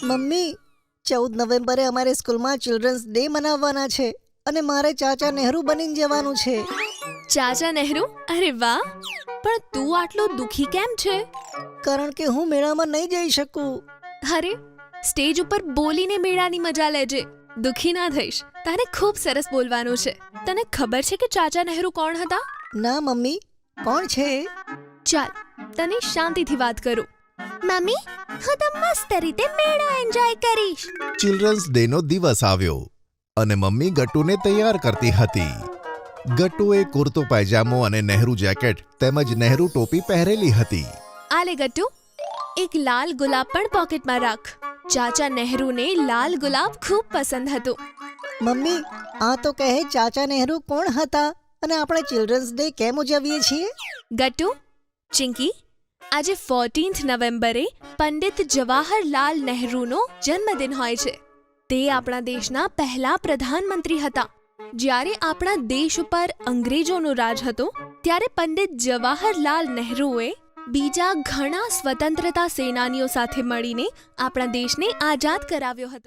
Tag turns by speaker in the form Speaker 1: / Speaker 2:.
Speaker 1: Mummy, 14 નવેમ્બરે અમારે સ્કૂલમાં ચિલ્ડ્રન્સ ડે મનાવવાના છે અને મારે ચાચા નહેરુ બનીને જવાનું છે.
Speaker 2: ચાચા નહેરુ? અરે વાહ! પણ તું આટલો દુખી કેમ છે?
Speaker 1: કારણ કે હું મેળામાં નહીં જઈ શકું.
Speaker 2: અરે, સ્ટેજ ઉપર બોલીને મેળાની મજા લેજે. દુખી ના થઈશ. તારે ખૂબ સરસ બોલવાનું છે. તને ખબર છે કે ચાચા નહેરુ કોણ હતા?
Speaker 1: ના મમ્મી, કોણ છે?
Speaker 2: ચાલ, તને શાંતિથી વાત કરું. મમ્મી, હું તો મસ્ત રીતે મેળો એન્જોય કરીશ.
Speaker 3: ચિલ્ડ્રન્સ ડેનો દિવસ આવ્યો અને મમ્મી ગટ્ટુને તૈયાર કરતી હતી. ગટ્ટુએ કુર્તો પાયજામો અને નહેરુ જેકેટ તેમજ નહેરુ ટોપી પહેરેલી હતી.
Speaker 2: આલે ગટ્ટુ, એક લાલ ગુલાબ પણ પોકેટમાં રાખ. ચાચા નહેરુને લાલ ગુલાબ ખૂબ પસંદ હતું.
Speaker 1: મમ્મી, આ તો કહે ચાચા નહેરુ કોણ હતા અને આપણે ચિલ્ડ્રન્સ ડે કેમ ઉજવીએ છીએ?
Speaker 2: ગટ્ટુ, ચિંકી, આજે 14th નવેમ્બરે પંડિત જવાહરલાલ નહેરુનો જન્મદિન હોય છે. તે આપણા દેશના પહેલા પ્રધાનમંત્રી હતા. જ્યારે આપણા દેશ ઉપર અંગ્રેજોનો રાજ હતો ત્યારે પંડિત જવાહરલાલ નહેરુએ બીજા ઘણા સ્વતંત્રતા સેનાનીઓ સાથે મળીને આપણા દેશને આઝાદ કરાવ્યો હતો.